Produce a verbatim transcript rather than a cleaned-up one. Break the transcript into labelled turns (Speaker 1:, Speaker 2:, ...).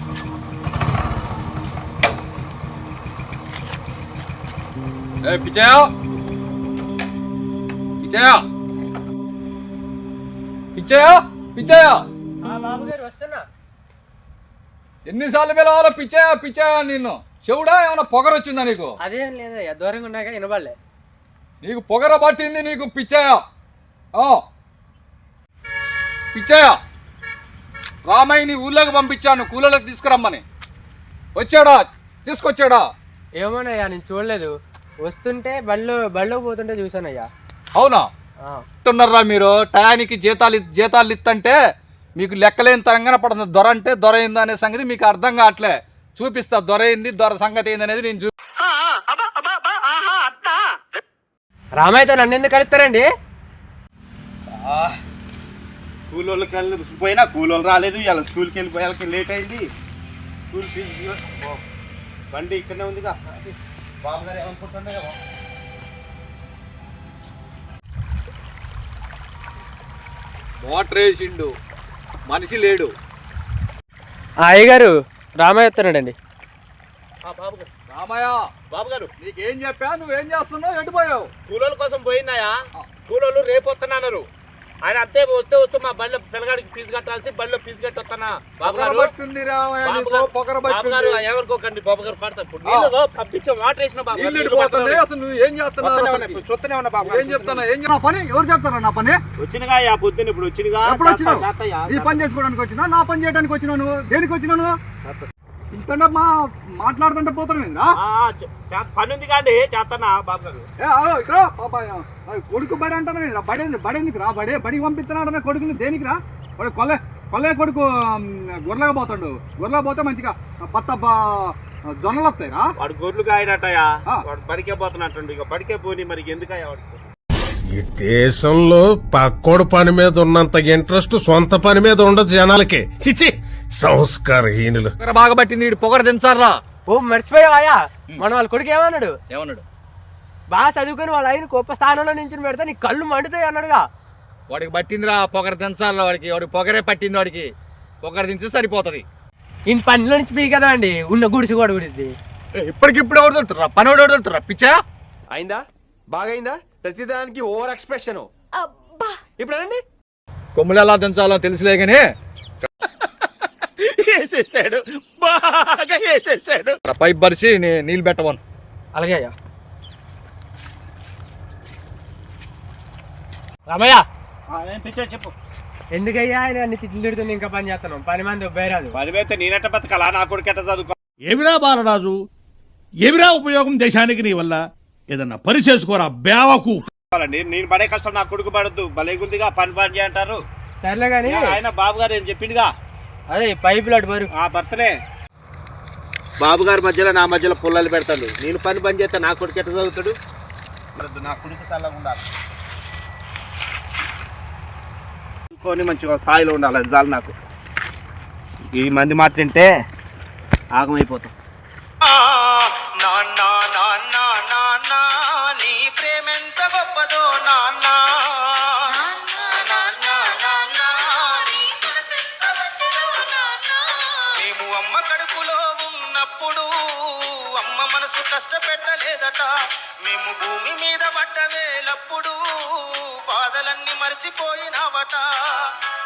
Speaker 1: ఏ పిచ్చయ్య పిచ్చయ్య పిచ్చయ్య పిచ్చయ్య
Speaker 2: బాబు గారు వస్తున్నా.
Speaker 1: ఎన్నిసార్లు పిలవాలో పిచ్చయ్య పిచ్చయ్య నిన్ను చెవుడా ఏమన్నా పొగర వచ్చిందా నీకు?
Speaker 2: అదేం లేదయ్యా, దూరంగా ఉన్నాక వినబడలే.
Speaker 1: నీకు పొగర పట్టింది నీకు పిచ్చయ్య. పిచ్చయ్య రామయ్యని ఊళ్ళోకి పంపించాను కూలలోకి తీసుకురమ్మని. వచ్చాడా? తీసుకొచ్చాడా?
Speaker 2: ఏమోనయ్యా నేను చూడలేదు. వస్తుంటే బళ్ళు బళ్ళో పోతుంటే చూసానయ్యా.
Speaker 1: అవునా? అంటున్నారా మీరు టయానికి జీతాలు జీతాలు ఇస్తంటే మీకు లెక్కలేని తరంగానే పడుతుంది. దొర అంటే దొర అయిందా అనే సంగతి మీకు అర్థం కావట్లే. చూపిస్తా దొర అయింది దొర సంగతి ఏంది అనేది నేను చూ
Speaker 2: రామయ్యతో నన్ను ఎందుకు కలుస్తారండి?
Speaker 3: కూలోళ్ళకి వెళ్ళి పోయినా కూలోళ్ళు రాలేదు. ఇలా స్కూల్కి వెళ్ళిపోయాలకి లేట్ అయింది. స్కూల్ ఫీజు బండి ఇక్కడనే ఉందిగా. బాబు గారు ఏమనుకుంటుండే కదా.
Speaker 1: మోటర్ వేసిండు మనిషి లేడు.
Speaker 2: అయ్యగారు రామయ్య వస్తున్నాడండి.
Speaker 3: బాబు గారు
Speaker 1: రామయ్య
Speaker 3: బాబు గారు
Speaker 1: నీకేం చెప్పా? నువ్వేం చేస్తున్నావు? ఎటుపోయావు?
Speaker 3: కూలోళ్ళ కోసం పోయినాయా? కూలోళ్ళు రేపు వస్తున్నారు. ఆయన అంతే వస్తే వస్తూ మా బండిలో పిల్లగాడికి ఫీజు కట్టాల్సి బండిలో ఫీజు కట్టి వస్తానా. బాబు గారు ఏమనుకోకండి. బాబు గారు పడతారు పంపించాం వాటర్ వేసిన బాబు
Speaker 1: అసలు నువ్వు ఏం చేస్తున్నావు?
Speaker 3: చూస్తూనే ఉన్నా బాబు.
Speaker 1: ఏం చెప్తాను? ఏం పని ఎవరు చెప్తారా? నా పని
Speaker 3: వచ్చినగా ఆ పొద్దున్న ఇప్పుడు వచ్చినగా.
Speaker 1: ఎప్పుడు వచ్చినావు? ఈ పని చేసుకోవడానికి వచ్చినా నా పని చేయడానికి వచ్చినావు? నువ్వు దేనికి వచ్చినావు? ఇంత మా మాట్లాడుతుంటే పోతున్నా
Speaker 3: పని ఉంది కాండి చేస్తానా బాబు గారు.
Speaker 1: ఇక్కడ కొడుకు బడి అంటాను. బడి బడేందుకు రా? బడే బడికి పంపిస్తున్నాడు కొడుకుని. దేనికి రా? వాడు కొల్లే కొల్లే కొడుకు గొర్రెగా పోతాడు. గొర్రెగా పోతే మంచిగా పత్త జొన్నలు వస్తాయి రా.
Speaker 3: వాడు గొర్రెలు కాయనట్టయా. వాడు బడికే పోతున్నట్టు. ఇక బడికే పోని మరి ఎందుకయ్యా వాడికి?
Speaker 4: ఈ దేశంలో పక్కోడు పని మీద ఉన్నంత ఇంట్రెస్ట్ సొంత పని మీద ఉండదు జనాలకి. చిచి సంస్కారహీనులు.
Speaker 1: బాగా పట్టింది వీడు పొగర దించారా?
Speaker 2: ఓ మర్చిపోయావా? మన వాళ్ళ కొడుకు ఏమన్నాడు?
Speaker 1: ఏమన్నాడు?
Speaker 2: బాగా చదువుకుని వాళ్ళ ఆయన గొప్ప స్థానంలో నుంచి పెడితే నీ కళ్ళు మండుతాయి అన్నాడుగా.
Speaker 1: వాడికి పట్టిందిరా పొగర దించాలా? వాడికి వాడికి పొగరే పట్టింది. వాడికి పొగర దించి సరిపోతుంది.
Speaker 2: ఇంటి పనిలో నుంచి పీ కదా అండి ఉన్న గుడిసి కూడా గుడిద్ది.
Speaker 1: ఇప్పటికిప్పుడు ఎవరు దొరుకుతురా? పని ఎవరు దొరుకుతురా? పిచ్చా
Speaker 5: అయిందా? బాగైందా? ప్రతిదానికి ఓవర్ ఎక్స్ప్రెషన్. ఇప్పుడు అనండి
Speaker 1: కొమ్ములు ఎలా దించాలో తెలుసులే గానీ
Speaker 5: వేసేసాడు, బాగా వేసేసాడు.
Speaker 1: పైప్ పరిచి నీళ్ళు పెట్టమను.
Speaker 2: అలాగే అయ్యా. రామయ్య
Speaker 3: చెప్పు.
Speaker 2: ఎందుకయ్యా ఆయన అన్ని తిట్లు తిడుతుంది ఇంకా పని చేస్తున్నాం? పని మంది ఉబ్బేరాదు.
Speaker 3: పని అయితే నేనెట్ట బతకాలా? నా కొడుకు ఎట్ట చదువుకో?
Speaker 6: ఏమిరా బాలరాజు, ఏమిరా ఉపయోగం దేశానికి నీ వల్ల? ఏదన్నా పని చేసుకోరా బేవకు.
Speaker 3: నేను పడే కష్టం నా కొడుకు పడద్దు. భలేగుందిగా పని పని చేయంటారు.
Speaker 2: సర్లే గాని
Speaker 3: ఆయన బాబు గారు ఏం చెప్పిండుగా.
Speaker 2: అదే పైపులు అటు బరు
Speaker 3: ఆ భర్తనే బాబు గారి మధ్యలో నా మధ్యలో పుల్లలు పెడతాడు. నేను పని పని చేస్తే నా కొడుకు ఎట్ట చదువుతాడు? నా కొడుకు చల్లగా ఉండాలి, కొని మంచిగా స్థాయిలో ఉండాలి. అది చాలు నాకు. ఈ మంది మాట తింటే ఆగమైపోతాం. నీ ప్రేమెంత గొప్పదో నాన్న. మేము అమ్మ కడుపులో ఉన్నప్పుడు అమ్మ మనసు కష్టపెట్టలేదట. మేము భూమి మీద పడ్డ వేలప్పుడు బాధలన్నీ మర్చిపోయినావట.